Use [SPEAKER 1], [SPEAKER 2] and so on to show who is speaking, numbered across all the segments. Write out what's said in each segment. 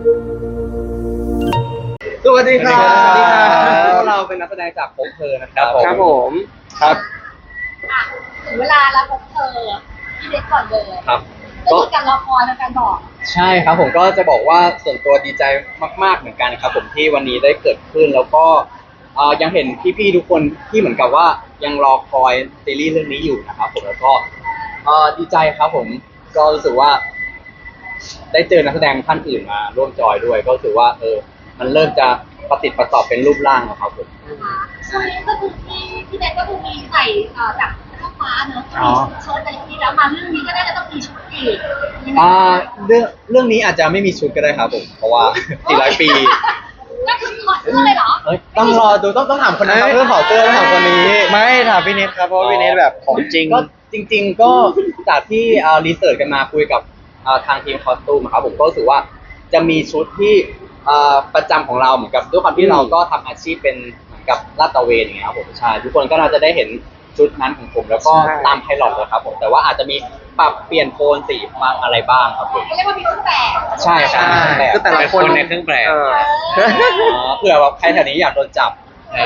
[SPEAKER 1] สวัสดีครับ
[SPEAKER 2] สวัสดีครับ
[SPEAKER 1] พวกเราเป็นนักแสดงจากพบเธอนะครับ
[SPEAKER 2] ครับผม
[SPEAKER 1] ครับ
[SPEAKER 3] อ่ะถึงเวลาแล้วพบเธอที่เด็กก่อนเลย
[SPEAKER 1] ครับ
[SPEAKER 3] ก็คือการรอคอยในการบอก
[SPEAKER 1] ใช่ครับผมก็จะบอกว่าส่วนตัวดีใจมากๆเหมือนกันครับผมที่วันนี้ได้เกิดขึ้นแล้วก็ยังเห็นพี่ๆทุกคนที่เหมือนกับว่ายังรอคอยซีรีส์เรื่องนี้อยู่นะครับผมแล้วก็ดีใจครับผมก็รู้สึกว่า ได้เจอนักแสดงท่านอื่นมาร่วมจอยด้วย ก็รู้สึกว่ามันเริ่มจะประติดประต่อเป็นรูปร่างแล้วครับผม
[SPEAKER 3] นะคะช่วงนี้ก็คือที่เด็กก็คือมีใส่จากเสื้อฟ้าเนอะมีเชิ้ตอะไรอย่างนี้แล้วมาเรื่องนี้ก็น่าจะต้องมีชุดอีกยังไง
[SPEAKER 1] เรื่องนี้อาจจะไม่มีชุดก็ได้ครับผมเพราะว่า 400 ปี
[SPEAKER 3] ก็คือถอดเสื้อเลยเหรอ
[SPEAKER 1] ต้องรอดูต้องถามคนนั้นครับเรื่องถอดเสื้อต้องถามคนนี้
[SPEAKER 2] ไม่ถามพี่เนทครับเพราะว่าพี่เนทแบบของจริง
[SPEAKER 1] ก็จริง ๆ ก็จากที่รีเสิร์ชกันมาคุยกับทางทีมคอสตูมครับผมก็รู้สึกว่าจะมีชุดที่ประจำของเราเหมือนกับด้วยความที่เราก็ทำอาชีพเป็นเหมือนกับลาดตระเวนอย่างเงี้ยครับผมใช่ทุกคนก็น่าจะได้เห็นชุดนั้นของผมแล้วก็
[SPEAKER 2] ใช่
[SPEAKER 1] ตามไพลอตเลยครับผมแต่ว่าอาจจะมีปรับเปลี่ยนโทนสีบ้างอะไรบ้างครับผม
[SPEAKER 3] ก็เรียกว่ามีเครื่องแบบ
[SPEAKER 1] ใช่ใช่
[SPEAKER 2] คือแต่ละคน
[SPEAKER 4] เป็นคนในเครื่องแปล
[SPEAKER 1] เผื่อแบบใครแถวนี้อยากโดนจับ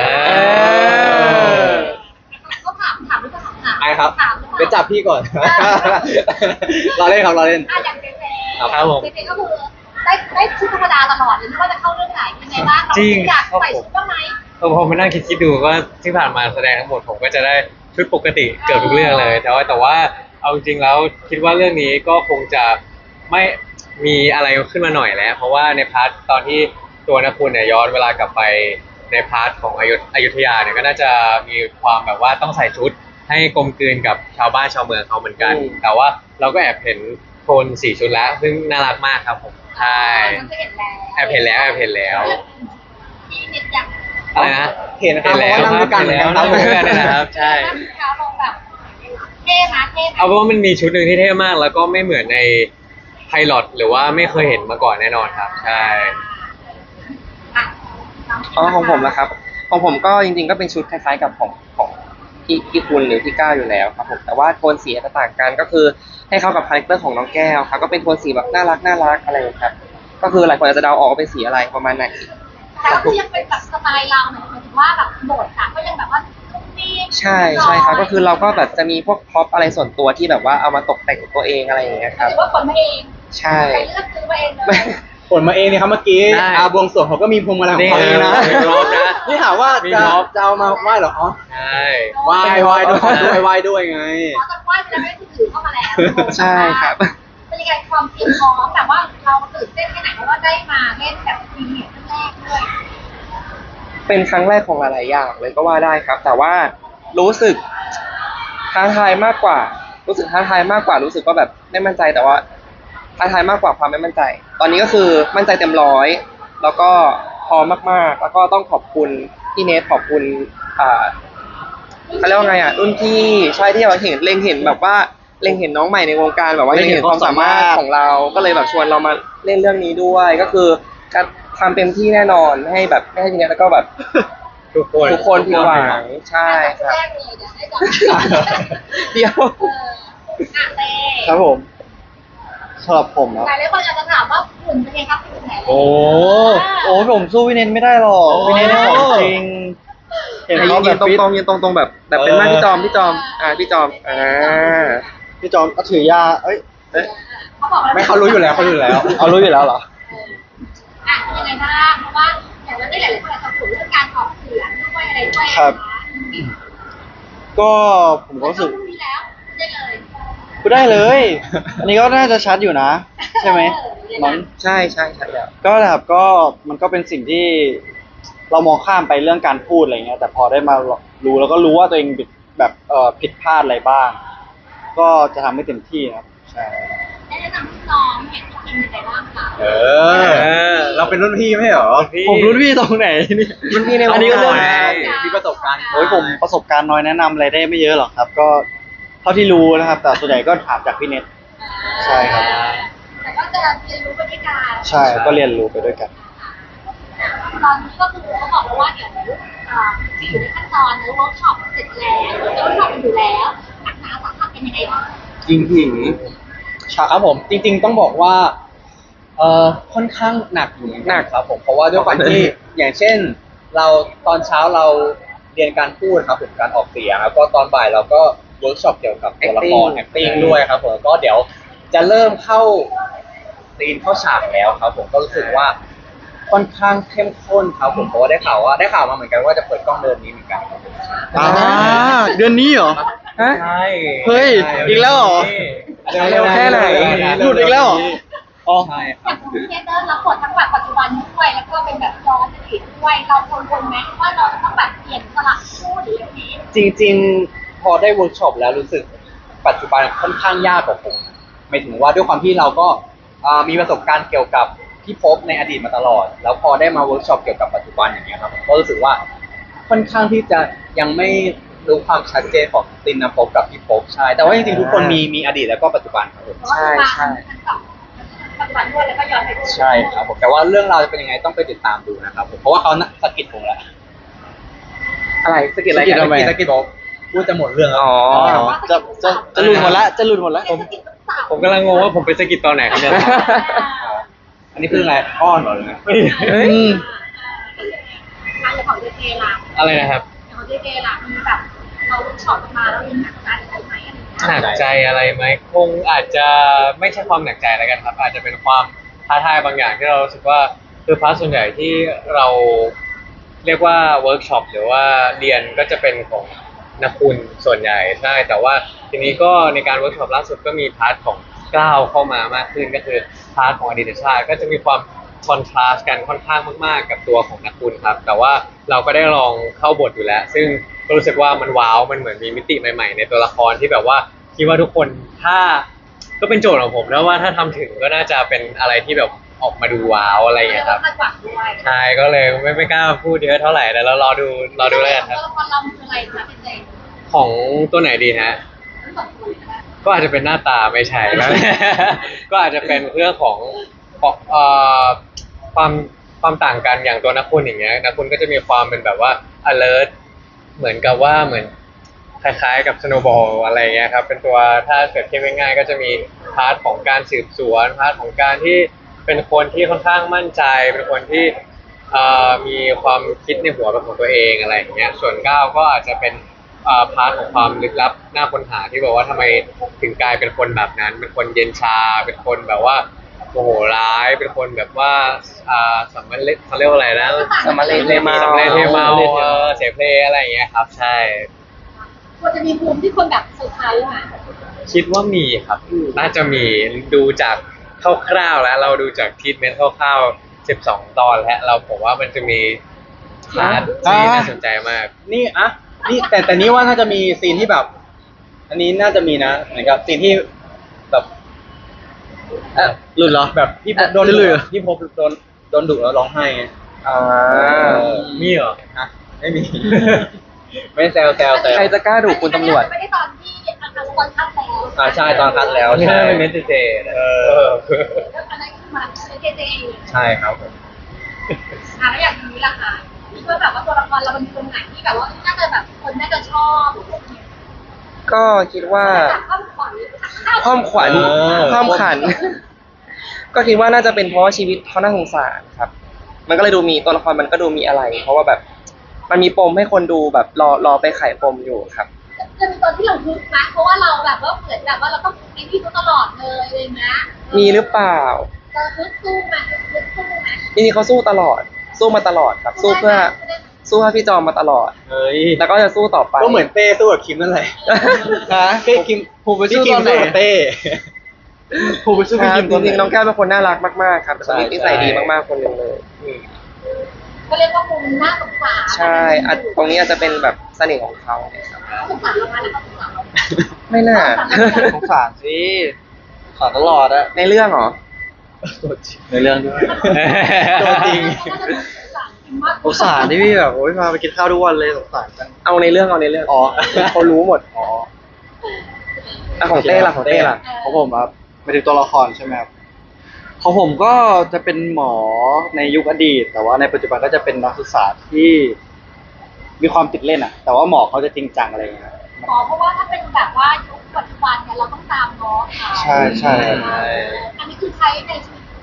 [SPEAKER 3] ก็ถามหรือเปล่าถาม
[SPEAKER 1] ไอ้ครับ
[SPEAKER 3] ถามหรือเปล่า
[SPEAKER 1] เดี๋ยวจับพี่ก่อน เราเล่นครับเราเล่น
[SPEAKER 3] อย่างเจเจ
[SPEAKER 4] ครับผม
[SPEAKER 3] เจเจก็คือได้ชุดธรรมดาตลอดเลยไม่ว่าจะเข้าเรื่องไหนยังไงบ้าง
[SPEAKER 4] จริง
[SPEAKER 3] อยากใส่ชุดบ้างไหม
[SPEAKER 4] พอมานั่งคิดดูว่าที่ผ่านมาแสดงทั้งหมดผมก็จะได้ชุดปกติเกือบทุกเรื่องเลย แต่ว่าเอาจริงแล้วคิดว่าเรื่องนี้ก็คงจะไม่มีอะไรขึ้นมาหน่อยแล้ว เพราะว่าในพาร์ทตอนที่ตัวนักคุณเนี่ยย้อนเวลากลับไปในพาร์ทของอยุธยาเนี่ยก็น่าจะมีความแบบว่าต้องใส่ชุดให้กลมกลืนกับชาวบ้านชาวเมืองเขาเหมือนกัน แต่ว่าเราก็แอบเห็นโทนสีชุดแล้ว ซึ่งน่ารักมากครับผมใช่
[SPEAKER 3] มันก็เห็นแล้ว
[SPEAKER 4] แอบเห็นแล้ว
[SPEAKER 3] ที่เน็ตอยาก
[SPEAKER 4] อะไรนะ
[SPEAKER 1] เห็นนะครับเพราะว่านั่งด้วยกันเหมือนกัน
[SPEAKER 4] นั่งด้วยกันเนะครับใช่
[SPEAKER 3] เท้าลงแบบเท่นะเท่นะ
[SPEAKER 4] เอาเป็นว่ามันมีชุดหนึ่งที่เท่มาก แล้วก็ไม่เหมือนในไพลอตหรือว่าไม่เคยเห็นมาก่อนแน่นอนครับ ใช่
[SPEAKER 3] อ่ะ
[SPEAKER 2] ของผมนะครับของผมก็จริงๆก็เป็นชุดคล้ายๆกับของพี่คุณหรือพี่ก้าวอยู่แล้วครับผมแต่ว่าโทนสีจะต่างกันก็คือให้เข้ากับคาแรคเตอร์ของน้องแก้วครับก็เป็นโทนสีแบบน่ารักอะไรอย่างเงี้ยครับก็คือหลายคนอาจจะเดาออกว่าเป็นสีอะไรประมาณไหน
[SPEAKER 3] แต่ก็คือยังเป็นแบบสไตล์เราหมายถึงว่าแบบโบทอะก็ยังแบบว่าตุ้มติ้ม
[SPEAKER 2] ใช่ครับก็คือเราก็แบบจะมีพวกพ็อปอะไรส่วนตัวที่แบบว่าเอามาตกแต่งตัวเองอะไรอย่างเงี้ยค
[SPEAKER 3] ห
[SPEAKER 2] รั
[SPEAKER 3] รื
[SPEAKER 2] บ
[SPEAKER 3] อว่าคนมาเอง
[SPEAKER 2] ใช่
[SPEAKER 3] ไปเลือกซื้อมาเองเลย
[SPEAKER 1] ผลมาเองเนี่ยครับเมื่อกี้
[SPEAKER 4] ได้
[SPEAKER 1] บวงสรวงเขาก็มีพวงมาลัยของเขาเองนะ
[SPEAKER 4] มีพร็อพนะ
[SPEAKER 1] นี่ถามว่า
[SPEAKER 4] มี
[SPEAKER 1] จะ
[SPEAKER 4] พร็อพ
[SPEAKER 1] จะเอามาไหว้เหรออ๋อ
[SPEAKER 4] ใช่
[SPEAKER 1] ไหว้ด้วยไง
[SPEAKER 3] เพราะตอนไหว้ไปแล้วไม่ถือเข้ามาแล้ว
[SPEAKER 2] ใช่ครับ
[SPEAKER 3] เป็นยังไงความเตรียมพร้อมแต่ว่าเราตื่นเต้นแค่ไหนเพราะว่าได้มาเล่นแบบพรีเมียร์ครั้งแรกด้วย
[SPEAKER 2] เป็นครั้งแรกของหลายๆอย่างเลยก็ว่าได้ครับ แต่ว่ารู้สึกท้าทายมากกว่า รู้สึกท้าทายมากกว่ารู้สึกว่าแบบไม่มั่นใจแต่ว่าท้าทายมากกว่าความไม่มั่นใจ ตอนนี้ก็คือมั่นใจเต็มร้อยแล้วก็พร้อมมากๆ แล้วก็ต้องขอบคุณพี่เนทขอบคุณเขาเรียกว่าไงรุ่นพี่ใช่ที่เราเห็นเล็งเห็นแบบว่าเล็งเห็นน้องใหม่ในวงการแบบว่าเล็งเห็นความสามารถของเราก็เลยแบบชวนเรามาเล่นเรื่องนี้ด้วยก็คือการทำเต็มที่แน่นอนให้แบบไม่ให้พี่เนทแล้วก็แบบ
[SPEAKER 4] ทุกคน
[SPEAKER 2] ผิดหวังใช่ครับ
[SPEAKER 3] แรกเลยเดี๋ยวได้ก่อน
[SPEAKER 2] เดียว
[SPEAKER 3] เต้
[SPEAKER 1] ครับผมสำหรับผมนะ
[SPEAKER 3] หลายคนอาจจะถามว่าหุ่นเป็นไงครับหุ่นไหน
[SPEAKER 1] โอ้ผมสู้พี่เนนไม่ได้หรอกพี่เนนของจริง เห็นเขาแบบ
[SPEAKER 2] ยืนตรงแบบเป็นหน้าพี่จอมพี่จอมพี่จอม
[SPEAKER 1] พี่จอมก็ถือยา
[SPEAKER 3] เขาบอก
[SPEAKER 1] ไม่เขารู้อยู่แล้วเอารู้อยู่แล้วเหรอ
[SPEAKER 3] ยังไงบ้างเพราะว่าอย่างเราได้หลายคนอาจจะพูดเรื่องการออกเสียงด้วยอะไรด้วย
[SPEAKER 1] ครับ ก็ผมก็รู้สึก
[SPEAKER 3] พรุ่งนี้แล้วได้เลย
[SPEAKER 1] พูดได้เลย อันนี้ก็น่าจะชัดอยู่นะ ใช่ไหมมั้ง
[SPEAKER 2] ใช่แล้ว
[SPEAKER 1] ก็แบบก็มันก็เป็นสิ่งที่เรามองข้ามไปเรื่องการพูดอะไรเงี้ยแต่พอได้มารู้แล้วก็รู้ว่าตัวเองแบบผิดพลาดอะไรบ้าง ก็จะทำให้เต็มที่นะครับใช่
[SPEAKER 3] ได้แนะนำพี่น้องเห็นพี่คิมยังไงบ้างคะ
[SPEAKER 1] เราเป็นรุ่นพี่ไม่เหรอ
[SPEAKER 4] พี่
[SPEAKER 1] ผมรุ่นพี่ตรงไหนนี่
[SPEAKER 2] รุ่นพี่ในวงการ
[SPEAKER 1] อันนี้ก็เรื่อง
[SPEAKER 4] มีประสบการณ์
[SPEAKER 1] โอ้ยผมประสบการณ์น้อยแนะนำอะไรได้ไม่เยอะหรอกครับ ก็เท่าที่รู้นะครับ แต่ส่วนใหญ่ก็ถามจากพี่เน็ต ใช่ครับ
[SPEAKER 3] แต่ก็จะเรียนรู้ไปด้วยกัน
[SPEAKER 1] ใช่ก็เรียนรู้ไปด้วยกัน
[SPEAKER 3] ตอนนี้ก็คือเขาบอกว่าเดี๋ยวอยู่ในขั้นตอนเวิร์กช็อปเสร็จแล้วเวิร์กช็อปอยู่แล้วหนักหนาสาหัสเป็นยังไงบ้าง
[SPEAKER 1] ครับผมจริงๆต้องบอกว่าค่อนข้างหนักอยู่เหมือนกันครับผมเพราะว่าด้วยความที่ อย่างเช่น เราตอนเช้าเราเรียนการพูดครับผมการออกเสียงแล้วก็ตอนบ่ายเราก็เวิร์กช็อปเกี่ยวกับตัวละคร acting ด้วยครับผมก็เดี๋ยวจะเริ่มเข้าซีนเข้าฉากแล้วครับผมก็รู้สึกว่าค่อนข้างเข้มข้นครับผมเพราะว่าได้ข่าวมาเหมือนกันว่าจะเปิดกล้องเดือนนี้เหมือนกันครับผม
[SPEAKER 5] เดือนนี้เหรอ
[SPEAKER 2] ฮะ
[SPEAKER 4] ใช่
[SPEAKER 5] เฮ้ยอีกแล้วเหรอ
[SPEAKER 2] เร็วแค่ไหน
[SPEAKER 5] หลุดอีกแล้วเหรอ อ๋อ
[SPEAKER 1] ใช่ค
[SPEAKER 3] อ
[SPEAKER 1] รั
[SPEAKER 3] ย่า
[SPEAKER 1] บ
[SPEAKER 3] งคุณเทเตอร์รับบททั้งแบบปัจจุบันด้วยแล้วก็เป็นแบบย้อนอดีตด้วยเรากังวลไหมว่าเราจะต้องแบบเปลี่ยนสลับคู่หรืออย่างนี้
[SPEAKER 1] จริงๆ พอได้เวิร์กช็อปแล้วรู้สึกปัจจุบันค่อนข้างยากกว่าผมหมายถึงว่าด้วยความที่เราก็มีประสบการณ์เกี่ยวกับพี่ภพในอดีตมาตลอด แล้วพอได้มาเวิร์กช็อปเกี่ยวกับปัจจุบันอย่างเงี้ยครับผมก็รู้สึกว่าค่อนข้างที่จะยังไม่รู้ความชัดเจนของตินนภพกับพี่ภพใช่ แต่ว่าจริงๆทุกคนมีอดีตแล้วก็ปัจจุบันครับผม
[SPEAKER 2] ใช่ใช่
[SPEAKER 3] ปัจจุบันด้วยแล้วก็ย้อนไปด้วย
[SPEAKER 1] ใช่ครับผมแต่ว่าเรื่องราวจะเป็นยังไงต้องไปติดตามดูนะครับผมเพราะว่าเขาสะกิดผมแล้ว
[SPEAKER 2] อะไรสกิลอะไร
[SPEAKER 5] สกิล
[SPEAKER 2] กัน
[SPEAKER 5] ทำไม
[SPEAKER 1] สะกิดบอกพูดจะหมดเรื่องแล้ว
[SPEAKER 2] อ๋อ
[SPEAKER 5] จะหลุดหมดละจะหลุดหมดละ
[SPEAKER 4] ผมกำลังงงว่าผมไปสะกิดตอนไหนครับเนี่ย
[SPEAKER 1] อันนี้คืออะไรอ้อนเหรอหรือไง
[SPEAKER 2] เฮ้ย
[SPEAKER 3] งานของเจเจล่ะ
[SPEAKER 4] อะไรนะครับ
[SPEAKER 3] ของเจเจล่ะมีแบบเราช็อตมาแล้วมีหนักใจอะไรไหมอะไรอย่างเงี้ย
[SPEAKER 4] หนักใจอะไรไหมคงอาจจะไม่ใช่ความหนักใจแล้วกันครับ อาจจะเป็นความท้าทายบางอย่างที่เรารู้สึกว่าคือพาร์ทส่วนใหญ่ที่เราเรียกว่าเวิร์กช็อปหรือว่าเรียนก็จะเป็นของนักคุณส่วนใหญ่ใช่แต่ว่าทีนี้ก็ในการเวิร์กช็อปล่าสุดก็มีพาร์ทของก้าวเข้ามามากขึ้นก็คือพาร์ทของอดีตชาติก็จะมีความคอนทราสต์กันค่อนข้างมากๆกับตัวของนักคุณครับแต่ว่าเราก็ได้ลองเข้าบทอยู่แล้ว ซึ่งก็รู้สึกว่ามันว้าวมันเหมือนมีมิติใหม่ๆในตัวละครที่แบบว่าคิดว่าทุกคนถ้าก็เป็นโจทย์ของผมแล้วว่าถ้าทำถึงก็น่าจะเป็นอะไรที่แบบออกมาดูว้าวอะไรอย่างเงี้ยครับ
[SPEAKER 3] คาดหวังด้วย
[SPEAKER 4] ใช่ก็เลยไม่กล้าพูดเยอะเท่าไหร่แต่เรารอดูแล้วกันครับ
[SPEAKER 3] ตัวละครเราคืออะไรคะเจเจ
[SPEAKER 4] ของตัวไหนดีฮะ
[SPEAKER 3] ทั้งสองคนเลยนะ
[SPEAKER 4] ก็อาจจะเป็นหน้าตาไม่ใช่แล้ว ก็อาจจะเป็นเรื่องของความความต่างกันอย่างตัวนักคุณอย่างเงี้ยนักคุณก็จะมีความเป็นแบบว่า alert เหมือนกับว่าเหมือนคล้ายๆกับ snowball อะไรเงี้ยครับเป็นตัวถ้าเกิดเทียบง่ายๆก็จะมีพาร์ทของการสืบสวนพาร์ทของการที่เป็นคนที่ค่อนข้างมั่นใจ เป็นคนที่มีความคิดในหัวเป็นของตัวเองอะไรอย่างเงี้ยส่วนก้าวก็อาจจะเป็นพาร์ทของความลึกลับน่าค้นหาที่บอกว่าทำไมถึงกลายเป็นคนแบบนั้น เป็นคนเย็นชา เป็นคนแบบว่าโมโหร้ายเป็นคนแบบว่าสัมมาเลเขาเรียกว่าอะไรนะ
[SPEAKER 2] สัมมาเลเทเมา
[SPEAKER 4] สัมมาเลเทเมาเสเพลอะไรอย่างเงี้ยครับ ใช่
[SPEAKER 3] ควรจะมีภูมิที่คนแบบเซอร์ไพรส์มา
[SPEAKER 4] คิดว่ามีครับ น่าจะมีดูจากคร่าวๆแล้ว เราดูจากทีทเมนต์คร่าวๆ12 ตอนแล้วเราผมว่ามันจะมีพาร์ทที่น่าสนใจมาก
[SPEAKER 1] นี่นี่แต่นี่ว่าน่าจะมีซีนที่แบบ อันนี้น่าจะมีนะเหมือนกับซีนที่แบบหลุดเหรอแบบพี่พบโดนดุพี่พบโดนดุแล้วร้องไห้ไง
[SPEAKER 2] อ่า
[SPEAKER 4] มีเหรอ
[SPEAKER 1] ฮะไม่มี ไม่แซว
[SPEAKER 2] ใครจะกล้าดุคุณตำรวจ
[SPEAKER 3] ไม่ได้ตอนที่อันตอนคัดแล้ว
[SPEAKER 1] ใช่ตอนคัดแล้ว
[SPEAKER 4] ที่
[SPEAKER 1] ใช่
[SPEAKER 4] น่าเป็นเมสเซจ
[SPEAKER 3] แล้วอันนั้นคือมาเจเจ
[SPEAKER 1] ใช่ครับผม
[SPEAKER 3] แล้วอย่างนี้ล่ะคะคิดว่าแบบว่าตัวละครเราเป็นคนไหนที่แบบว่าน่าจะแบบคนน่าจะชอบ
[SPEAKER 2] ก็คิดว่า
[SPEAKER 3] ความขวัญ
[SPEAKER 2] ความขวัญความขัน ก็คิดว่าน่าจะเป็นเพราะว่าชีวิตเขาน่าสงสารครับ มันก็เลยดูมีตัวละครมันก็ดูมีอะไร เพราะว่าแบบมันมีปมให้คนดูแบบรอไปไขปมอยู่ครับ
[SPEAKER 3] จะมีตอนที่เราฮึกนะเพราะว่าเราแบบว่าเหมือนแบบว่าเราต้องไอ้นี่เขาตลอดเลยเลยนะ
[SPEAKER 2] มีหรือเปล่า
[SPEAKER 3] จะฮึกสู้ไหมฮึกสู้ไหม
[SPEAKER 2] จริงๆเขาสู้ตลอด สู้มาตลอดครับ สู้เพื่อพี่จอมมาตลอด
[SPEAKER 1] เฮ้ย
[SPEAKER 2] แล้วก็จะสู้ต่อไป
[SPEAKER 1] ก็เหมือนเต้สู้กับคิมนั่นแหละ
[SPEAKER 5] ฮะ
[SPEAKER 1] เต้คิม
[SPEAKER 5] ผมไปสู้ตอนไหน
[SPEAKER 1] กับเต้
[SPEAKER 5] ผมไปสู้
[SPEAKER 2] ค
[SPEAKER 5] พี่
[SPEAKER 2] รับ
[SPEAKER 5] คิม
[SPEAKER 2] จ
[SPEAKER 5] ตอนไหน
[SPEAKER 2] ริงๆน้องแก้วเป็นคนน่ารักมากๆครับเป็นคนนิสัยดีมากๆคนหนึ่งเลย
[SPEAKER 3] ก็เรียกว่ามุมน่าสงสาร
[SPEAKER 2] ใช่ตรงนี้อาจจะเป็นแบบเสน่ห์ของเขาครับ
[SPEAKER 3] สงสารเราไหมแล้วก็สงสารเรา
[SPEAKER 2] ไม่น่า
[SPEAKER 5] สงสารสิสงสารตลอดอะ
[SPEAKER 2] ในเรื่องเหรอ
[SPEAKER 5] ในเรื่องด้วย
[SPEAKER 1] ตัวจริง
[SPEAKER 5] สงสารที่พี่แบบโอ้ยพาไปกินข้าวทุกวันเลยสงสารจัง
[SPEAKER 2] เอาในเรื่องอ๋อเขารู้หมด
[SPEAKER 5] อ๋อ
[SPEAKER 2] อ่ะของเต้ล่ะของเต้ล่ะ
[SPEAKER 5] ของผมครับไปถึงตัวละครใช่ไหมครับของผมก็จะเป็นหมอในยุคอดีต แต่ว่าในปัจจุบันก็จะเป็นนักศึกษาที่มีความติดเล่นอะแต่ว่าหมอเขาจะจริงจังอะไรอย่างเงี้ย
[SPEAKER 3] อ๋อเพราะว่าถ้าเป็นแบบว่ายุคปัจจุบันเนี่ยเราต้องตามน้องเขา
[SPEAKER 5] ใช่
[SPEAKER 3] อันนี้คือใช้ในชีวิตจ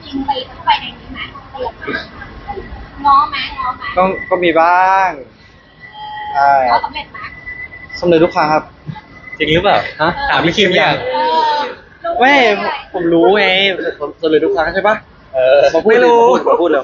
[SPEAKER 3] ริงๆไปเข้าไปในนี้ไหมเตรียมง้อไหมง้อไหม
[SPEAKER 5] ก็มีบ้างใช่
[SPEAKER 3] ง้อสำเร็จไหม
[SPEAKER 5] สำเร็จทุกครั้งครับ
[SPEAKER 4] จริงหรือเปล่า
[SPEAKER 1] ฮะ
[SPEAKER 4] ถามพี่คิมยัง
[SPEAKER 3] เออรู้
[SPEAKER 5] ไม่
[SPEAKER 3] ห
[SPEAKER 5] ผมรู้ไงสำเร็จทุกครั้งใช่ปะ มาพูด
[SPEAKER 2] ไม่รู้
[SPEAKER 5] มาพูดเร็ว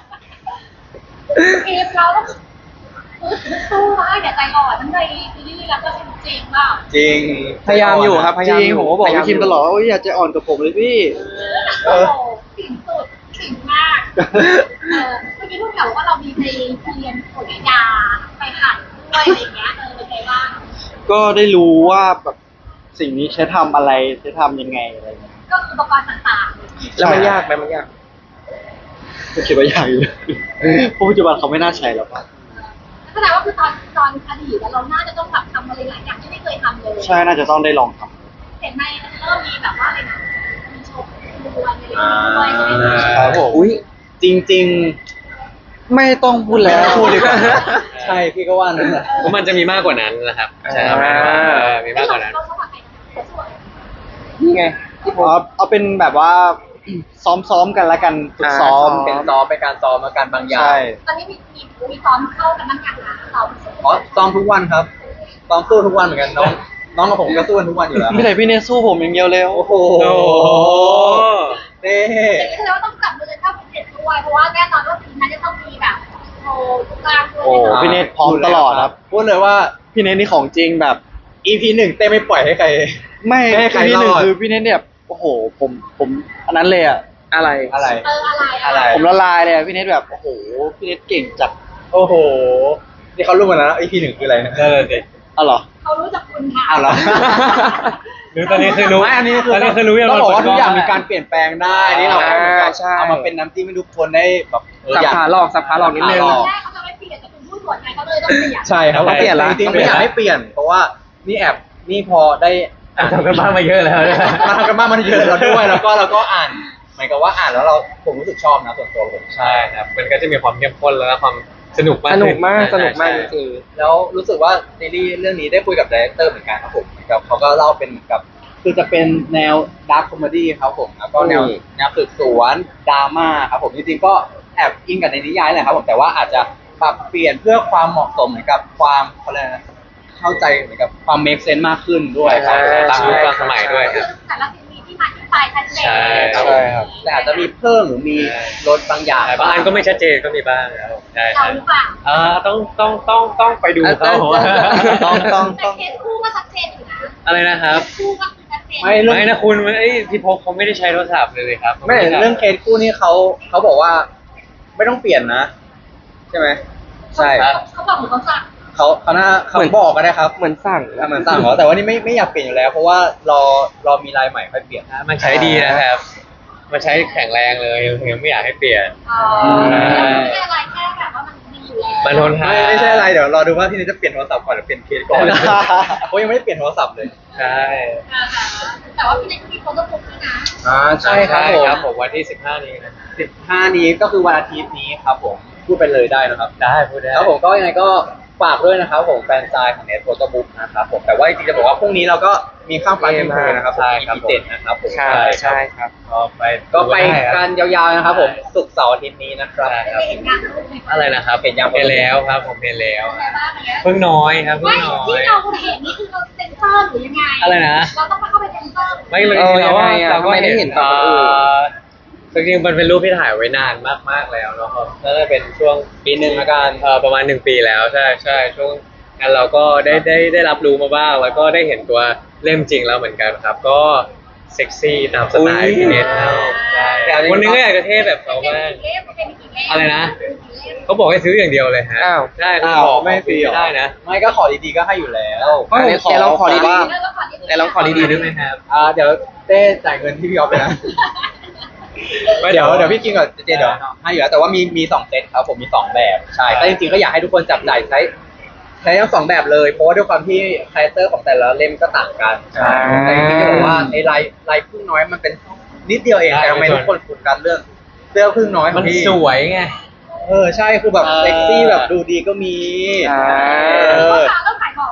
[SPEAKER 3] ทีมเราต้องสู้นะอย่าใจอ่อนทั้งในซีรีส์แล้วก็จริงๆเปล่า
[SPEAKER 1] จริง
[SPEAKER 2] พยายามอยู่ครับพ
[SPEAKER 5] จ
[SPEAKER 2] ยายาม
[SPEAKER 5] ริง
[SPEAKER 2] อยู่
[SPEAKER 5] ผมก็บอก
[SPEAKER 2] พยายา
[SPEAKER 5] พี่คิมตลอดว่าอยากจะอ่อนกับผมเลยพี่
[SPEAKER 3] โอ้โหสิ่งสุดสิ่งมากเมื่อกี้พูดแบบว่าเรามีไปเรียนผลยาไปหัดด้วยอะไรเงี้ยเป็นไงบ้าง
[SPEAKER 5] ก็ได้รู้ว่าแบบสิ่งนี้ใช้ทำอะไรใช้ทำยังไงอะไรเงี้ย
[SPEAKER 3] ก็คืออุปกรณ์ต่างๆ
[SPEAKER 2] แล้วมันยากไหมมันยาก
[SPEAKER 5] ก็คิดว่ายากอยู่เพราะปัจจุบันเขาไม่น่าใช้แล้วปะ
[SPEAKER 3] แสดงว่าคือตอนอดีตเราน่าจะต้องแบบทำอะไรหลายอย่างที่ไม่เคยทำเลย
[SPEAKER 5] ใช่น่าจะต้องได้ลองท
[SPEAKER 3] เห็นไหมมันเริ่มมีแบบว่าอะไรนะมีโชว์ดวลอะไรด้วยใช่ไหม
[SPEAKER 5] ำครับผม
[SPEAKER 2] อุ้ย
[SPEAKER 1] จริง
[SPEAKER 5] ไม่ต้องพูดแล้ว
[SPEAKER 1] ไม่ต้องพูดดีกว่า ๆ ใช่พี่ก็ว่านั่นแหละ
[SPEAKER 4] เพราะมันจะมีมากกว่านั้นนะครับใช่ครับ มีมากกว่านั้น
[SPEAKER 3] เราชอบอะไรนะสวย
[SPEAKER 2] นี่ไง
[SPEAKER 5] เอาเป็นแบบว่า ซ้อมกันละกันฝึกซ้อม
[SPEAKER 1] เป็นซ้อมเป็นการซ้อมอาการบางอย่าง
[SPEAKER 5] ใช่
[SPEAKER 3] ตอนนี้มีซ้อมเข้ากันบ้างอย่างนะเรา
[SPEAKER 1] อ๋อซ้อมทุกวันครับซ้อมสู้ทุกวันเหมือนกันน้องกับผมก็สู้กันทุกวันอยู่แล้ว
[SPEAKER 5] ไม่แต่พี่เนสสู้ผมอย่างเดียวเลย
[SPEAKER 1] โอ้โห
[SPEAKER 4] โอ้โห
[SPEAKER 1] เต้
[SPEAKER 3] อย่างนี้แสดงว่าต้องจับมือกันเข้าเป็นเด็ดด้วยเพราะว่าแน่นอนว่าทีมนั้นจะต้องมีแบบโชว์ทุกกลางด้วย
[SPEAKER 5] โอ้พี่เนสพร้อมตลอดครับ
[SPEAKER 1] พูดเลยว่า
[SPEAKER 5] พี่เนสนี่ของจริงแบบ
[SPEAKER 1] EP 1เต้ไม่ปล่อยให้ใคร
[SPEAKER 5] ไม่
[SPEAKER 1] ไม่ให้ใคร
[SPEAKER 5] พี่หนึ่ง
[SPEAKER 1] รอด
[SPEAKER 5] คือพี่เนสเนี่ยโอ้โหผมอันนั้นเลยอ่ะ
[SPEAKER 2] อะไร
[SPEAKER 1] อะไร
[SPEAKER 3] อะไร
[SPEAKER 5] ผมละลายเลยอะพี่เนสแบบโอ้โหพี่เนสเก่งจัด
[SPEAKER 1] โอ้โห นี่เขารู้หมดแล้วนะ EP 1คืออะไรนะ
[SPEAKER 4] นั่นแหละสิ
[SPEAKER 5] อ๋อเหรอ
[SPEAKER 3] เขารู้จักคุณค่ะ
[SPEAKER 1] อ้าวเหรอ
[SPEAKER 4] รู้ตอนนี้คือรู้
[SPEAKER 1] ไม่อันนี้คือ
[SPEAKER 4] ตอนนี้คือรู้ยัง
[SPEAKER 1] ต้องบอกว่าทุกอย่าง
[SPEAKER 4] เปิดกล้อง
[SPEAKER 1] มีการเปลี่ยนแปลงได้ นี่เราก็เหมือนกับ
[SPEAKER 2] ใช่
[SPEAKER 1] เอามาเป็นน้ำจิ้มให้ทุกคนได้แบบเออ
[SPEAKER 2] สับ
[SPEAKER 1] อยาก
[SPEAKER 2] ขาหลอกสับขาหลอกนิดนึง
[SPEAKER 1] สับขาหลอก
[SPEAKER 3] แรกเขาจะไม่เปลี่ยนแต่คุณพูดสวนไงเขาเลยต้องเปลี่ยน
[SPEAKER 1] ใช่ครับ
[SPEAKER 2] ต้องเปลี่ยนละ
[SPEAKER 1] จริงๆไม่อยากให้เปลี่ยน เพราะว่านี่นี่พอได้อ่าน
[SPEAKER 4] ทำกันบ้านมาเยอะแล้วนะ
[SPEAKER 1] มาทำกันบ้านมันเยอะแล้วด้วย แล้วก็อ่านหมายกับว่าอ่านแล้วผมรู้สึกชอบนะส่วนตัวผม
[SPEAKER 4] ใช่ครับ มันก็จะมีความเข้มข้นแล้วก็ความสนุกมาก
[SPEAKER 2] สนุกมาก
[SPEAKER 4] ขึ้
[SPEAKER 2] สนุกมากจ
[SPEAKER 4] ใช่
[SPEAKER 2] ริง
[SPEAKER 1] แล้วรู้สึกว่าซีรีส์เรื่องนี้ได้คุยกับดีเรคเตอร์เหมือนกันครับผมเหมือนกับเขาก็เล่าเป็นเหมือนกับ คือจะเป็นแนวดาร์คคอมเมดี้ครับผมแล้วก็แนวสืบสวนดราม่าครับผมจริงๆก็แอบอิงกับในนิยายแหละครับผมแต่ว่าอาจจะปรับเปลี่ยนเพื่อความเหมาะสมเหมือนกับความเขาเรียกอะไรนะเข้าใจเหมือนกับความเมคเซนต์มากขึ้นด้วยครับ
[SPEAKER 4] ตามยุคตามสมัยด้วย
[SPEAKER 3] คือแต่ละทีมมีที่มาที่ไปชัดเจน
[SPEAKER 4] ใช่ครับ
[SPEAKER 1] ใช่ครับแต่อาจจะมีเพิ่มหรือมีลดบางอย่าง
[SPEAKER 4] บางอันก็ไม่ชัดเจนก็มีบ้างครับผมใช่
[SPEAKER 3] เรา
[SPEAKER 4] ใช่
[SPEAKER 3] หรือเปล่า
[SPEAKER 4] ต้องไปดูเขา
[SPEAKER 5] ต้อง
[SPEAKER 3] แต่เคสคู่ก็ชัดเจนอยู่นะ
[SPEAKER 4] อะไรนะครับ
[SPEAKER 3] คู่ก็คือชัดเจน
[SPEAKER 1] ไม่เรื่อง
[SPEAKER 4] ไม่นะคุณพี่พกเขาไม่ได้ใช้โทรศัพท์เลยครับ
[SPEAKER 1] ไม่เรื่องเคสคู่นี่เขาบอกว่า ไม่ต้องเปลี่ยนนะ ใช่ไหมใช่
[SPEAKER 3] เขาบอกเหมือนเขาสั่ง
[SPEAKER 1] เขาบอกก็ได้ครับ
[SPEAKER 2] ๆเหมือนสั่ง
[SPEAKER 1] เหมือนสั่งเหรอแต่ว่านี่ไม่อยากเปลี่ยนอยู่แล้ว เพราะว่ารอมีลายใหม่ค่อยเปลี่ยน
[SPEAKER 4] มันใช้ดีนะครับ มันใช้แข็งแรงเลยยังไม่อยากให้เปลี่ยน
[SPEAKER 3] อ๋อไม่ใช่อะไรแค่แบบว่ามันดีอยู่แล้ว
[SPEAKER 4] มันทนทาน
[SPEAKER 1] ไม่ใช่อะไรเดี๋ยวรอดูว่าพี่นี่จะเปลี่ยนโทรศัพท์ก่อนหรือเปลี่ยนเคสก่อนเพราะยังไม่ได้เปลี่ยนโทรศัพท์เลย
[SPEAKER 4] ใช่
[SPEAKER 3] แต่ว่าพี่เล็กก็มีโฟโต้บุ๊กด้วยนะ
[SPEAKER 1] ใช่ครับผม
[SPEAKER 4] ครับผมวันที่ 15 นี้นะ
[SPEAKER 1] 15 นี้ก็คือวันอาทิตย์นี้ครับผมพูดไปเลยได้นะครับ
[SPEAKER 4] ได้พูดได้
[SPEAKER 1] ครับผมก็ยังไงก็ฝากด้วยนะครับผมแฟนซายของเน็ตโฟโต้บุ๊กนะครับผมแต่ว่าจริงๆจะบอกว่าพรุ่งนี้เราก็มีข้ามฟ้าทีมเธอนะครับผม EP 7นะครับผม
[SPEAKER 2] ใช่ใช่ครับ
[SPEAKER 1] ก็ไปกันยาวๆนะครับผมศุกร์เสาร์อาทิตย์นี้นะครับ
[SPEAKER 4] ใช่ครับ
[SPEAKER 3] เห็นงานรูปไหม
[SPEAKER 4] อะไรนะครับ
[SPEAKER 1] เห็นยัง
[SPEAKER 4] เห็นแล้วครับผมเห็นแล้ว
[SPEAKER 3] อะไรบ้างเนี่ย
[SPEAKER 4] เพิ่งน้อยครับเพิ่
[SPEAKER 3] ไม่
[SPEAKER 4] งน้อ
[SPEAKER 3] ที่
[SPEAKER 4] ย
[SPEAKER 3] เราเห็นนี่คือเราเซ็นเซอร์หรือยังไง
[SPEAKER 4] อะไรนะ
[SPEAKER 3] เราต้องเข้าไปเซ็นเซอร์
[SPEAKER 4] ไม่เลย
[SPEAKER 2] ยังไงอะ
[SPEAKER 4] เราก็
[SPEAKER 2] ทำไมได้เห็นตอนคนอื่น
[SPEAKER 4] จริงๆมันเป็นรูปที่ถ่ายไว้นานมากๆแล้วเนาะครับน่าจะเป็นช่วง
[SPEAKER 1] ปีหนึ่งละกัน
[SPEAKER 4] ประมาณ1 ปีแล้วใช่ใช่ช่วงนั้นเราก็ได้รับรู้มาบ้าง แล้วก็ได้เห็นตัวเล่มจริงแล้วเหมือนกันครับ ก็เซ็กซี่ตามสไตล์พี่เนทเขาใช่วันหนึงก็อยากจะเท่แบบเขาบ้าง อะไรนะ เขาบอกให้ซื้ออย่างเดียวเลยฮะ
[SPEAKER 2] อ้าว
[SPEAKER 4] ใช่เขา
[SPEAKER 1] อ้าว
[SPEAKER 4] บอก
[SPEAKER 1] ไม่ฟรีเหรอ
[SPEAKER 4] ได้นะ
[SPEAKER 1] ไม่ก็ขอดีๆก็ให้อยู่แล้ว
[SPEAKER 2] ก็แต่เราขอดี
[SPEAKER 5] ว่า
[SPEAKER 2] แต่เราขอดีๆ
[SPEAKER 4] ได้ไหมครับ
[SPEAKER 1] เดี๋ยวเต้จ่ายเงินที่พี่ออฟไปนะ เดี๋ยวพี่กินกับเจเดี๋ยวให้อยู่แล้วแต่ว่ามี2 เซตครับผมมี2 แบบใช่แต่จริงๆก็อยากให้ทุกคนจับจ่ายใช้ทั้ง2 แบบเลยเพราะว่าด้วยความที่คาแรคเตอร์ของแต่ละเล่มก็ต่างกัน
[SPEAKER 2] อ่า
[SPEAKER 1] แต่จริงๆจะบอกว่าในลายพึ่งน้อยมันเป็นนิดเดียวเองแต่ทำไมทุกคนโฟกัสเรื่องเสื้อพึ่งน้อยขอ
[SPEAKER 4] มัน
[SPEAKER 1] งพี่
[SPEAKER 4] สวยไง
[SPEAKER 1] ใช่คือแบบเซ็กซี่แบบดูดีก็มี
[SPEAKER 2] อ่า
[SPEAKER 1] เออ
[SPEAKER 3] เริ่มขายของแล้วนะ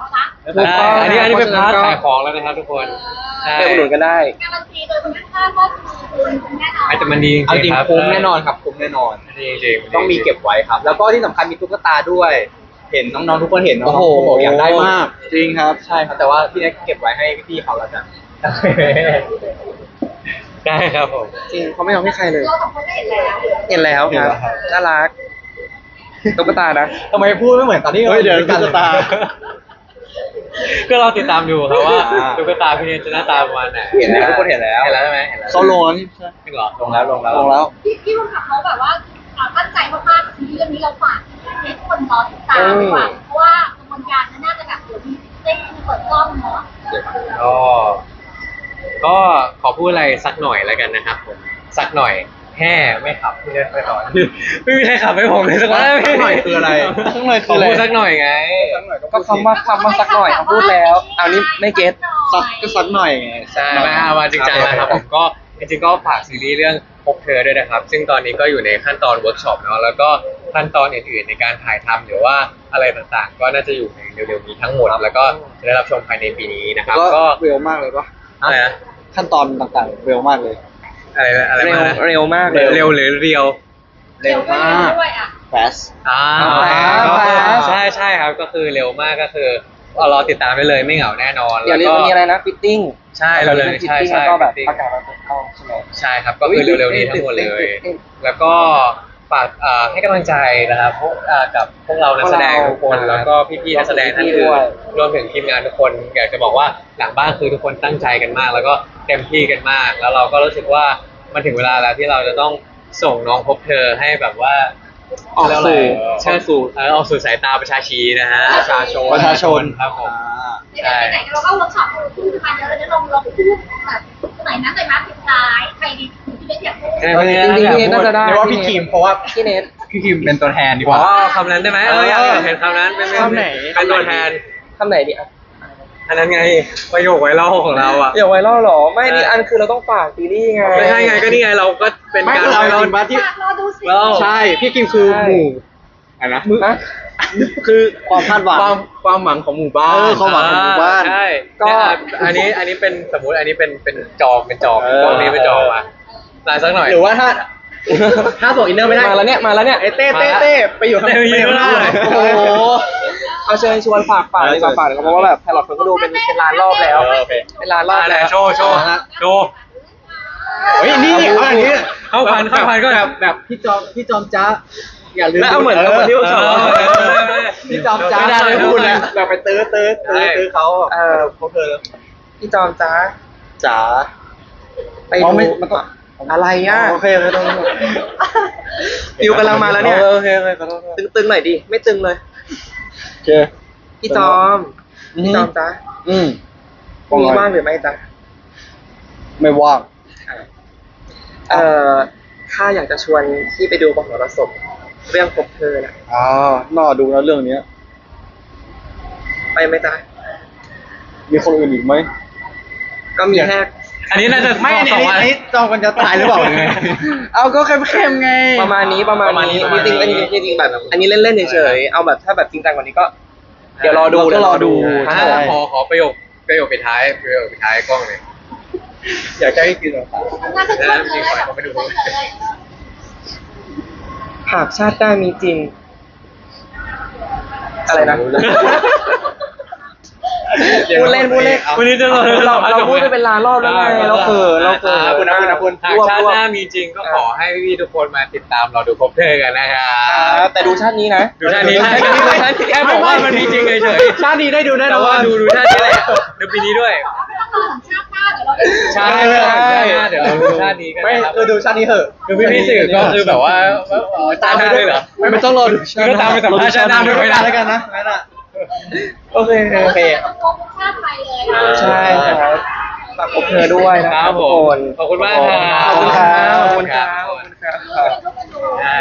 [SPEAKER 2] ถูกต้อง
[SPEAKER 4] อันนี้เป็นพาร์ท
[SPEAKER 2] เพราะฉะนั้นก็
[SPEAKER 4] ขายของแล้วนะครับทุกคนใช่
[SPEAKER 2] ไปอุดหนุนกันได้
[SPEAKER 3] การันตีโดยคุณค่าว่าคุณแน่นอน
[SPEAKER 4] อาจจะมันดีจ
[SPEAKER 1] เอาจ
[SPEAKER 4] ริ
[SPEAKER 1] ริ
[SPEAKER 4] ง
[SPEAKER 1] ง
[SPEAKER 4] ๆครับ
[SPEAKER 1] คุ้มแน่นอนครับคุ้มแน่นอน
[SPEAKER 4] ดีจริงๆ
[SPEAKER 1] ต้องมีเก็บไว้ครับ แล้วก็ที่สำคัญมีตุ๊กตาด้วย เห็นน้องๆทุกคนเห็นน้องๆทุกคนบอกอยากได้มาก
[SPEAKER 5] จริงครับ
[SPEAKER 1] ใช่ครับแต่ว่าพี่เน็กเก็บไว้ให้พี่เขาแล้วกัน
[SPEAKER 4] ได้ครับผม
[SPEAKER 2] จริงเขาไม่ยอมให้ใครเลย
[SPEAKER 3] เราสองคนก็เห็นแล้ว
[SPEAKER 2] เห็นแล้วครับ น่ารักตุ๊กตานะ
[SPEAKER 1] ทำไมพูดไม่เหมือนตอนที่
[SPEAKER 5] เฮ้ยเดี๋ยว
[SPEAKER 1] รา
[SPEAKER 5] ตุ๊กตา
[SPEAKER 4] ก็เราติดตามดูครับว่า
[SPEAKER 1] อ่า
[SPEAKER 4] ตุ๊กตาพี่เนยจะหน้าตาประมาณไหน
[SPEAKER 1] เห็นแล้วทุกคนเห็นแล้ว
[SPEAKER 4] เห็นแล้วใช่ไหมเห็นแล้ว
[SPEAKER 5] เขาลงแล้วนี่ใช่
[SPEAKER 4] จริงเหรอ
[SPEAKER 1] ลงแล้วลงแล้ว
[SPEAKER 5] ลงแล้ว
[SPEAKER 3] พี่รุ่นขับเขาแบบว่าตั้งใจมากๆทีเรื่องนี้เราฝากให้ทุกคนรอติดตามดีกว่าเพราะว่ากระบวนการมันน่าจะแบบเดี๋ยวมีเต้นเปิดกล้องเนาะ
[SPEAKER 4] ก็ขอพูดอะไรสักหน่อยแล้วกันนะครับผมสักหน่อยแห่ไม่ขับพี่เนยไปต่อไม่มีใครขับให้ผมเลยสักคน
[SPEAKER 1] สักหน่อยคืออะไร
[SPEAKER 5] สักหน่อย
[SPEAKER 4] ข
[SPEAKER 5] คือ ออะไร
[SPEAKER 4] พูดสักหน่อยไง
[SPEAKER 2] ก็คำว่าสักหน่อยเขาพูดแล้วเอานี่ไม่เก็ต
[SPEAKER 5] สักก็สักหน่อยไง
[SPEAKER 4] ใช่มาจริงจังนะครับผมก็จริงๆก็ฝากซีรีส์เรื่องพบเธอด้วยนะครับ ซึ่งตอนนี้ก็อยู่ในขั้นตอนเวิร์กช็อปเนาะแล้วก็ขั้นตอนอื่นๆในการถ่ายทำหรือว่าอะไรต่างๆ ก็น่าจะอยู่ในเร็วๆนี้ทั้งหมดแล้วก็จะได้รับชมภายในปีนี้นะครับ
[SPEAKER 5] ก็
[SPEAKER 4] ก็
[SPEAKER 5] เร็วมากเลยปะ
[SPEAKER 4] อะไรนะ
[SPEAKER 5] ขั้นตอนต่างๆเร็วมากเลย
[SPEAKER 4] อะไร
[SPEAKER 2] เร็ว
[SPEAKER 4] มานะ
[SPEAKER 2] เร็วมากเลย
[SPEAKER 4] เร็วหรือเรียว
[SPEAKER 1] เร็วมาก
[SPEAKER 3] ด้วยอ่ะ
[SPEAKER 5] fast
[SPEAKER 4] โอเค
[SPEAKER 2] fast
[SPEAKER 4] ใช่ครับก็คือเร็วมากก็คือรอติดตามได้เลยไม่เหงาแน่นอน
[SPEAKER 2] เดี๋ยวนี้
[SPEAKER 4] แล้ว
[SPEAKER 2] มัน
[SPEAKER 4] ก็
[SPEAKER 2] มีอะไรนะฟิตติ้ง
[SPEAKER 4] ใช่เราเลย
[SPEAKER 2] ฟิต
[SPEAKER 4] ใช่
[SPEAKER 2] ติ้ง
[SPEAKER 4] ใช่
[SPEAKER 2] แล้วก็แบบ
[SPEAKER 4] fitting
[SPEAKER 2] ประกาศมาเปิดกล้องใช่ไหม
[SPEAKER 4] ใช่ครับก็คือเร็วๆนี้ทั้งหมดเลย แล้วก็ฝากให้กำลังใจนะครับพวกกับพวกเรานักแสดงทุกคน
[SPEAKER 2] ครับ
[SPEAKER 4] แล้วก็พี่ๆนักแสดงท่าน
[SPEAKER 2] พี่ๆด้
[SPEAKER 4] อื่
[SPEAKER 2] วย
[SPEAKER 4] นรวมถึงทีมงานทุกคนอยากจะบอกว่าหลังบ้านคือทุกคนตั้งใจกันมาก แล้วก็เต็มที่กันมาก แล้วเราก็รู้สึกว่ามันถึงเวลาแล้วที่เราจะต้องส่งน้องพบเธอให้แบบว่า
[SPEAKER 2] ออกสู่
[SPEAKER 4] เชิญสู่ออกสู่สายตาประชาชีนะฮะ
[SPEAKER 1] ประชาชน
[SPEAKER 5] ประชาชน
[SPEAKER 4] ครับผม
[SPEAKER 3] ไหนๆเราก็เวิร์กช็อปพูดกันเยอะเลยนะลองพูดแบบไหนนะไหนมาสุดท้ายใครดีที่ไม่อยากพูด
[SPEAKER 4] ใช่ไหม
[SPEAKER 2] จริงๆพี่เนทน่าจะได้
[SPEAKER 1] เรียกว่าพี่คิมเพราะว่า
[SPEAKER 2] พี่เนท
[SPEAKER 1] พี่คิมเป็นตัวแทนดีก
[SPEAKER 4] อ๋
[SPEAKER 1] ว่า
[SPEAKER 4] อคำนั้นได้ไหมอยากเห็นคำนั้นเป็น
[SPEAKER 5] คำไหน
[SPEAKER 4] เป็นตัวแทน
[SPEAKER 2] คำไหนดีอ่ะ
[SPEAKER 4] อันนั้นไงประโยคไวรัลของเราอ่ะ
[SPEAKER 2] เดี๋ยวไวรัลเหรอ ไม่นี่อันคือเราต้องฝากซีรีส์ไง
[SPEAKER 4] ไม่ใช่ไงก็นี่ไงเราก็เป็น
[SPEAKER 1] ไม่
[SPEAKER 4] การ
[SPEAKER 1] คือเอา
[SPEAKER 4] ไว
[SPEAKER 1] จ
[SPEAKER 4] รัล
[SPEAKER 1] ริงๆว่าที่
[SPEAKER 3] รอดูสิ
[SPEAKER 1] ใช่พี่คิมคือหมู่อะไรนะ
[SPEAKER 2] ฮะ
[SPEAKER 5] คือความคาดหวัง
[SPEAKER 1] ความหวังของหมู่บ้าน
[SPEAKER 5] ความหวังของหมู่บ้าน
[SPEAKER 4] ใช่
[SPEAKER 2] ก็
[SPEAKER 4] อันนี้เป็นสมมุติอันนี้เป็นจอมตรงนี้เป็นจอมอ่ะลายสักหน่อย
[SPEAKER 1] หรือว่าถ้าส่งอินเนอร์ไม่ได้
[SPEAKER 2] มาแล้วเนี่ย
[SPEAKER 1] ไอ้เต้ไปอยู่ข้าง
[SPEAKER 4] เต้ไปอยู่ข้างหน้า
[SPEAKER 1] โอ้โห
[SPEAKER 2] เอาเชิญชวนฝากดีกว่าฝากเลยครับเพราะว่าแบบไพลอตคนก็ดูเป็นล้านรอบแล้ว
[SPEAKER 1] โอเค
[SPEAKER 2] เป็นล้านรอบ
[SPEAKER 4] ไหน
[SPEAKER 2] แล้ว
[SPEAKER 4] โชว์โชว์
[SPEAKER 1] เฮ้ยนี่เอาอย่างนี้
[SPEAKER 4] เข้าพันก็
[SPEAKER 1] แบบพี่จอมจ๊ะอย่าลืม
[SPEAKER 2] แล้วเอาเหมือนที่ผมชอบ
[SPEAKER 1] พี่จอมจ๊ะ
[SPEAKER 4] ไม่ได้เลย
[SPEAKER 1] พูดนะแบบไปตื้อเขา เขาเธอ
[SPEAKER 2] พี่จอมจ้า
[SPEAKER 5] จ๋า
[SPEAKER 2] ไป
[SPEAKER 5] อ๋อ
[SPEAKER 2] ดู
[SPEAKER 5] ไม่มันต้อง
[SPEAKER 2] อะไรอ่ะ
[SPEAKER 5] โอเคไม่ต้อง
[SPEAKER 2] ฟิวกำลังมาแล้วเนี่ย
[SPEAKER 5] โอเคขอโทษ
[SPEAKER 2] ตึงๆหน่อยดิไม่ตึงเลย
[SPEAKER 5] โอเค
[SPEAKER 2] พี่จอมพี่จอมจ้า
[SPEAKER 5] อืม
[SPEAKER 2] พรุ่งนี้ว่างหรือไม่จ้า
[SPEAKER 5] ไม่ว่าง
[SPEAKER 2] ถ้าอยากจะชวนพี่ไปดูมหรสพเรื่องพบเธอนะ
[SPEAKER 5] น่าดูนะเรื่องเนี้ย
[SPEAKER 2] ไปไหมจ๊ะ
[SPEAKER 5] มีคนอื่นอีกไหม
[SPEAKER 2] ก็มีแค่
[SPEAKER 4] อันนี้น่าจะ
[SPEAKER 1] ไม่อัน
[SPEAKER 4] สองวัน
[SPEAKER 1] นี้จอมกันจะตายหรือเปล่ายังไง
[SPEAKER 5] เอาก็เข้มๆไง
[SPEAKER 2] ประมาณนี้จริงๆแบบอันนี้เล่นๆเฉยๆเอาแบบถ้าแบบจริงจังกว่านี้ก็ เดี๋ยวรอดู
[SPEAKER 5] เราก็รอดู
[SPEAKER 2] ใช่
[SPEAKER 5] ใช่
[SPEAKER 4] ขอประโยคปิดท้ายกล้องเลย
[SPEAKER 1] อยากจะให้กินหรอ
[SPEAKER 3] น่าจะชอบเลยแบบเลย
[SPEAKER 2] หากชาติหน้ามีจริง อะไรนะ พูดเล่น
[SPEAKER 4] วันนี้จะ
[SPEAKER 2] เราพูดไปเป็นล้านรอบแล้วไงเราเขิน
[SPEAKER 1] คุณ
[SPEAKER 4] หากชาติหน้ามีจริงก็ขอให้พี่ๆทุกคนมาติดตามเราดูพบเธอกันนะครับ
[SPEAKER 2] แต่ดูชาตินี้นะ
[SPEAKER 4] ดูชาตินี้แค่บอกว่ามันมีจริงเฉย
[SPEAKER 1] ชาตินี้ได้ดูแน่
[SPEAKER 4] ๆ
[SPEAKER 1] น
[SPEAKER 4] แต่
[SPEAKER 1] อน
[SPEAKER 4] ว่าดูชาตินี้แหละดูปีนี้ด้วย
[SPEAKER 3] ชาติหน้าเดี๋ยวเราไปดู
[SPEAKER 4] ใช่เดี๋ยวเราดูชาตินี้กัน
[SPEAKER 1] ไม่
[SPEAKER 4] นะครับ
[SPEAKER 1] คือดูชาตินี้เถอะ
[SPEAKER 4] คือพี่ๆสื่อก็คือแบบว่าตามไปด้วยเหรอ
[SPEAKER 1] ไม่ต้องรอดู
[SPEAKER 4] ก็ตามไปสัมภาษณ์ชาติหน้าด้วยไม่ได้
[SPEAKER 1] แล้วกันนะงั้นอ่ะ
[SPEAKER 2] โอเค
[SPEAKER 3] ชาติไทยเลย
[SPEAKER 2] ใช่ครับฝากพบเธอด้วยนะครับ
[SPEAKER 4] ผม
[SPEAKER 2] ทุกคน
[SPEAKER 4] ขอบคุณมากครับ
[SPEAKER 2] ขอบคุณครับ
[SPEAKER 4] ขอบคุณครับ